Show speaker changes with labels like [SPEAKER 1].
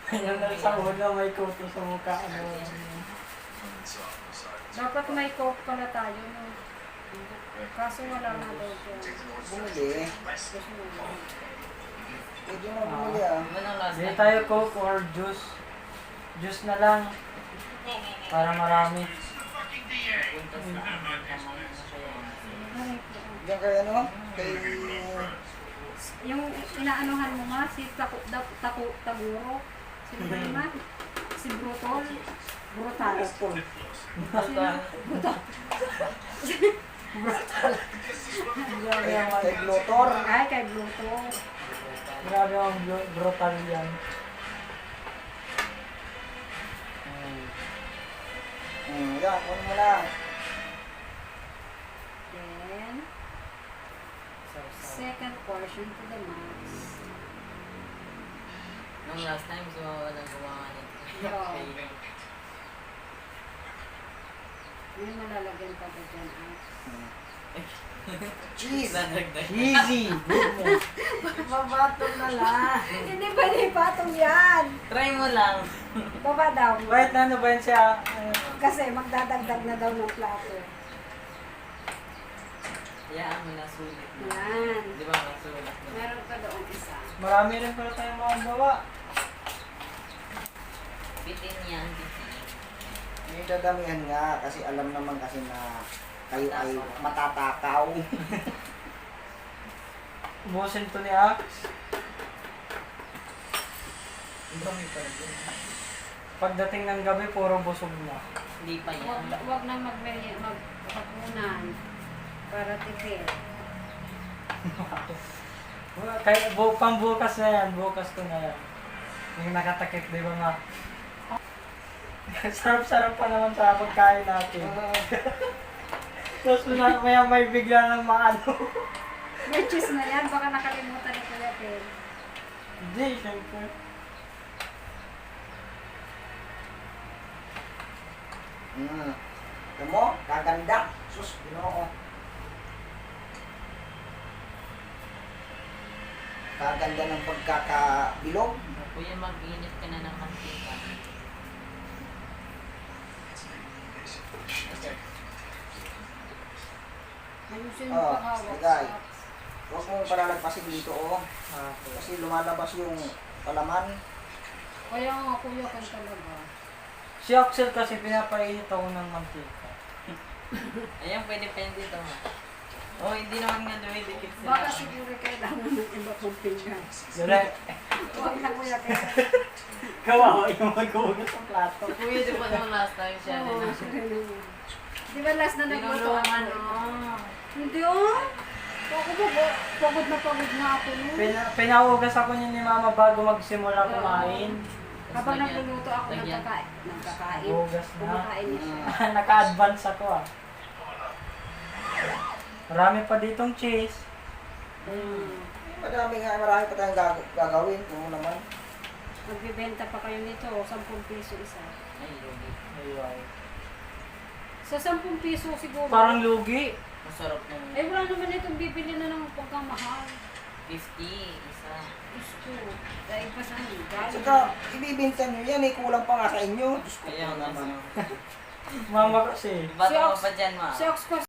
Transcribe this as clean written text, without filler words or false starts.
[SPEAKER 1] Yung sa ulo, may kuto sa mukha. Ano?
[SPEAKER 2] Dapat may coke pala tayo, no? Kaso wala na daw dyan.
[SPEAKER 3] Bumili.
[SPEAKER 2] Gusto mo yun.
[SPEAKER 3] Pwede mo bumili ah.
[SPEAKER 1] Hindi tayo coke or juice. Juice na lang. Para marami.
[SPEAKER 3] Diyan kayo ano? Kay...
[SPEAKER 2] Yung inaanuhan mo ma, si Taguro. Sino ba yun ma? Si Brutol. Brutal. Sino? Brutal.
[SPEAKER 1] Grabe ang
[SPEAKER 3] Kay Glotor.
[SPEAKER 2] Ay, kay Brutal.
[SPEAKER 1] grabe ang brutal yan.
[SPEAKER 3] Yan, kunin mo na.
[SPEAKER 2] Then, second portion to the max.
[SPEAKER 4] Nung last time, walang gumawa nito.
[SPEAKER 2] Yeah. May malalagyan pa ba dyan?
[SPEAKER 3] Cheese.
[SPEAKER 4] Dadagdag.
[SPEAKER 1] Easy! Good mo.
[SPEAKER 4] Babatong na lang.
[SPEAKER 2] Hindi pwede patong yan!
[SPEAKER 4] Try mo lang.
[SPEAKER 2] Baba daw.
[SPEAKER 1] Wait, ano ba yun siya?
[SPEAKER 2] Kasi magdadagdag na daw ng plato.
[SPEAKER 4] Hayaan mo na sulit na.
[SPEAKER 2] Yan.
[SPEAKER 4] Di ba nasulit na?
[SPEAKER 2] Meron pa doon isa.
[SPEAKER 1] Marami rin pala tayong mga bawa.
[SPEAKER 4] Bitin yan, bitin.
[SPEAKER 3] May dadamihan nga kasi alam naman kasi na kayo ay matatakaw.
[SPEAKER 1] Ubusin to ni Axe.
[SPEAKER 4] Ang dami pa rin.
[SPEAKER 1] Pagdating ng gabi, puro busog na.
[SPEAKER 4] Hindi pa yan.
[SPEAKER 2] Wag na maghapunan para tipid.
[SPEAKER 1] Kaya, pambukas na yan. Bukas ko na yan. Yung nakatakip, di ba nga? Sarap-sarap pa naman sa pagkain natin. Tapos maya may bigla ng maano.
[SPEAKER 2] May cheese na yan. Baka nakalimutan ni Kuya Pen.
[SPEAKER 1] Hindi, syempre.
[SPEAKER 3] Alam mo, kaganda. Sus, ginoo ko. Kaganda ng pagkakabilog.
[SPEAKER 4] Kuya, mag-init ka na ng mantika.
[SPEAKER 2] Ayusin mo
[SPEAKER 3] Oh,
[SPEAKER 2] pahawak
[SPEAKER 3] ligay.
[SPEAKER 2] sa...
[SPEAKER 3] Huwag mong palalagpasin dito, oh.
[SPEAKER 1] Okay.
[SPEAKER 3] Kasi lumalabas yung palaman.
[SPEAKER 2] Kaya nga Kuya Pen talaga.
[SPEAKER 1] Si Axel kasi pinapainit ako ng mantika.
[SPEAKER 4] Ayan, pwede pa yan dito. Oh, hindi naman nga dumidikit sila.
[SPEAKER 2] Baka siguro kailangan ng iba pong pinggan.
[SPEAKER 1] Dali.
[SPEAKER 2] Huwag na Kuya Pen.
[SPEAKER 1] Kawawa yung maghugas ng plato.
[SPEAKER 4] Kuya, di ba nung last time siya rin
[SPEAKER 2] Oo,
[SPEAKER 4] na?
[SPEAKER 2] siya rin naman. Di ba last na nagluto
[SPEAKER 4] Tinulungan,
[SPEAKER 2] ako?
[SPEAKER 4] oh.
[SPEAKER 2] Hindi oh. Ako ba, pagod na ako nun.
[SPEAKER 1] Pinahugas ako niya ni Mama bago magsimula kumain.
[SPEAKER 2] Habang
[SPEAKER 4] Lagyan.
[SPEAKER 2] nagluluto ako ng
[SPEAKER 4] Lagyan.
[SPEAKER 2] kakain.
[SPEAKER 1] Hugas na.
[SPEAKER 2] Kumakain niya siya.
[SPEAKER 1] Naka-advance ako ah. Marami pa ditong cheese.
[SPEAKER 3] Marami pa tayong gagawin. Kung naman.
[SPEAKER 2] Magbibenta pa kayo nito, 10 piso isa.
[SPEAKER 4] Ay, lugi.
[SPEAKER 1] Ayun.
[SPEAKER 2] Sa 10 piso siguro.
[SPEAKER 1] Parang lugi.
[SPEAKER 4] Masarap na.
[SPEAKER 2] Eh wala naman itong bibili na ng pagkamahal.
[SPEAKER 4] 50, isa.
[SPEAKER 2] Gusto. Dahil pa saan galing.
[SPEAKER 3] Saka, ibibinta nyo yan eh. Kulang pa nga sa inyo. Diyos ko
[SPEAKER 4] Kaya
[SPEAKER 3] po
[SPEAKER 4] nga
[SPEAKER 3] naman.
[SPEAKER 1] Mama kasi.
[SPEAKER 4] Bata
[SPEAKER 2] Si
[SPEAKER 4] mo
[SPEAKER 2] Ox-
[SPEAKER 4] pa dyan, ma.
[SPEAKER 2] Si Ox ko